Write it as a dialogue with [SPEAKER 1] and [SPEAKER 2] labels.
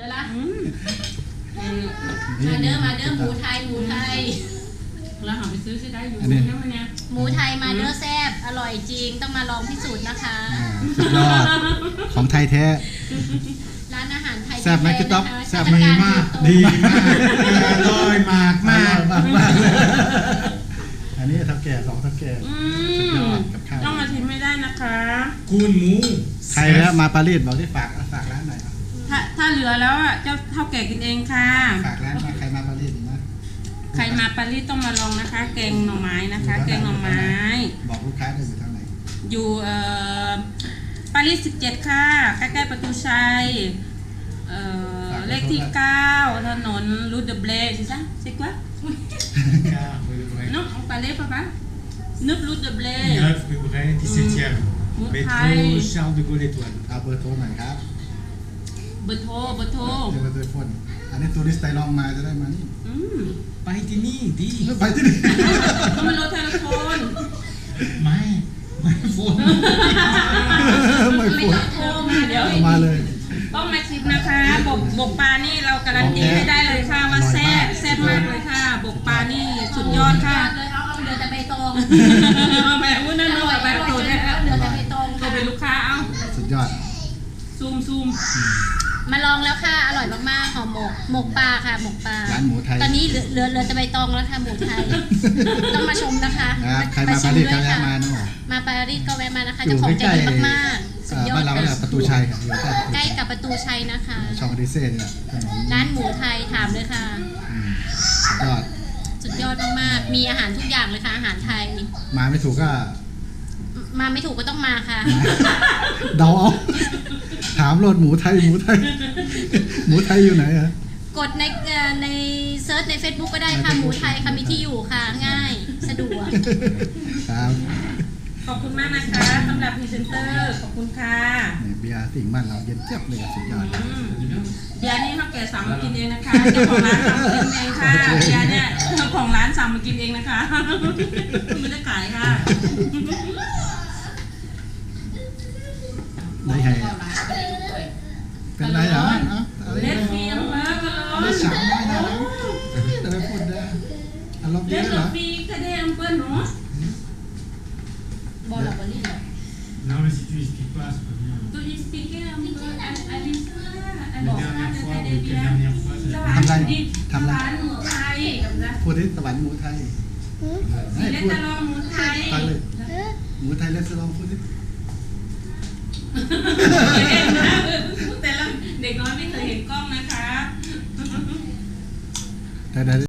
[SPEAKER 1] ดี๋ยวละมาเด้อหมูไทยเราหาไปซื้อได้อยู่นั่นมันเนี่ยหมูไทยมาเด้อแซ่บอร่อยจริงต้องมาลองพิสูจน์นะคะ
[SPEAKER 2] สุดยอดของไทยแท้
[SPEAKER 1] ร้านอาหารไทย
[SPEAKER 2] แซ่บไหมพี่ต๊อบ
[SPEAKER 3] แซ่บมากดีมากอร่อยมาก
[SPEAKER 2] อันนี้ทับแก่2ทับแก่สุดยอดกับข้าว
[SPEAKER 4] ต้องมาชิมไม่ได้นะคะ
[SPEAKER 3] คุณหมู
[SPEAKER 2] ใครแล้วมาปารีสบอกที่ฝากร้านหน่อย
[SPEAKER 4] ถ้าเหลือแล้วอ่ะเจ้าเท่าแก่กินเองค่ะ
[SPEAKER 2] ฝากร้านใครมาปารีสนะ
[SPEAKER 4] ใครมาปารีสต้องมาลองนะคะแกงหน่อไม้นะคะแกงหน่อไม้
[SPEAKER 2] บอกลูกค้าได้อยู่ทางไหน
[SPEAKER 4] อยู่ปารีส17ค่ะใกล้ๆประตูชัยเลขที่9ถนนรูดเดเบลใช่ไหมใช่กว่าnon on parlait papa 9 route de Blé
[SPEAKER 3] 9 rue Bray 17e métro Charles de Gaulle Étoile
[SPEAKER 2] เอาเบอร์โทรหน่อยครับ
[SPEAKER 4] เบอร์โทร
[SPEAKER 2] เบอร์โทรอันนี้ทัวริสต์ไทยลองมาจะได้มานี่
[SPEAKER 3] ไปที่นี่ดี
[SPEAKER 2] ไปที่นี่
[SPEAKER 4] ต้องมาโทรโทรโฟน
[SPEAKER 3] ไม่โฟน
[SPEAKER 4] ไม่ต้องโทรมาเดี๋ยว
[SPEAKER 2] มาเลย
[SPEAKER 4] ต้องมาชิมนะคะบกปลานี่เราการันตีให้ได้เลยค่ะว่าแซ่บมากเลยค่ะบกปลานี่สุดยอดค่ะ
[SPEAKER 1] เลยเอาเดือดแต่ใบตอง
[SPEAKER 4] แบบวุ้นนั่นอร่อยแบบโตได้แล้ว
[SPEAKER 1] เดือดแต่ใบตอง
[SPEAKER 4] ก็เป็นลูกค้าเอา
[SPEAKER 2] สุดยอด
[SPEAKER 4] ซูม
[SPEAKER 1] มาลองแล้วค่ะอร่อยมากๆหอมหมกปลาค่ะหมกปลา
[SPEAKER 2] ร้านหมูไทย
[SPEAKER 1] ตอนนี้เหลือแต่ใบตองแล้วค่ะหมูไทยต้องมาชมนะคะ
[SPEAKER 2] ใครมาปารีสก็แวะมาเนาะ
[SPEAKER 1] มาปารีสก็แวะมานะคะเจ้าของใจดีมากๆสุดยอด
[SPEAKER 2] บ้านเราเนี่ยประตูชัยค่ะ
[SPEAKER 1] ใกล้กับประตูชัยนะคะ
[SPEAKER 2] ช่องดิเซ่เนี่ย
[SPEAKER 1] ร้านหมูไทยถามเลยค่ะสุดยอดมากๆมีอาหารทุกอย่างเลยค่ะอาหารไทย
[SPEAKER 2] มาไม่ถูกก็
[SPEAKER 1] ต้องมาค่ะ
[SPEAKER 2] เดาเอาถามรถหมูไทยหมูไทยอยู่ไหนอะ
[SPEAKER 1] กดในเซิร์ชใน Facebook ก็ได้ค่ะหมูไทยค่ะมีที่อยู่ค่ะง่ายสะดวก
[SPEAKER 2] ครับ
[SPEAKER 4] ขอบคุณมากนะคะสำหรับพรีเซนเตอร์ขอบคุณค่ะ
[SPEAKER 2] เบียร์สิ่งบ้านเราเย็นเจี๊ยบเลยสุดยอด
[SPEAKER 4] เบียร์นี่เขาแก่สั่งมากินเองนะคะเจ้าของร้านสั่งมากินเองค่ะเบียร์เนี่ยเจ้าของร้านสั่งมากินเองนะคะไม่ได้ขายค่ะ
[SPEAKER 2] ได้ไงเป็นไรเหรอ
[SPEAKER 4] เล็ดฟีมมากเลย
[SPEAKER 2] ไม่สามได้นะแต่ไม่พูดได้อารมณ์ดีเหรอ
[SPEAKER 4] ฟีกระเด็นเปิ้ลเนาะ
[SPEAKER 1] บอลบอลลี่เหรอ
[SPEAKER 3] Non mais si tu expliques pas c'est pas bien.
[SPEAKER 4] Tu expliquer un peu à l'histoire à
[SPEAKER 3] la dernière fois ou quelle dernière fois
[SPEAKER 4] ทำร้านหมูไทย
[SPEAKER 2] พูดที่ตะวันหมูไทย
[SPEAKER 4] เลสลองหมูไทย
[SPEAKER 2] หมูไทยเลสลองพูดที่
[SPEAKER 4] แต่ละเด็กน้อยไม่เคยเห็นกล้องนะคะ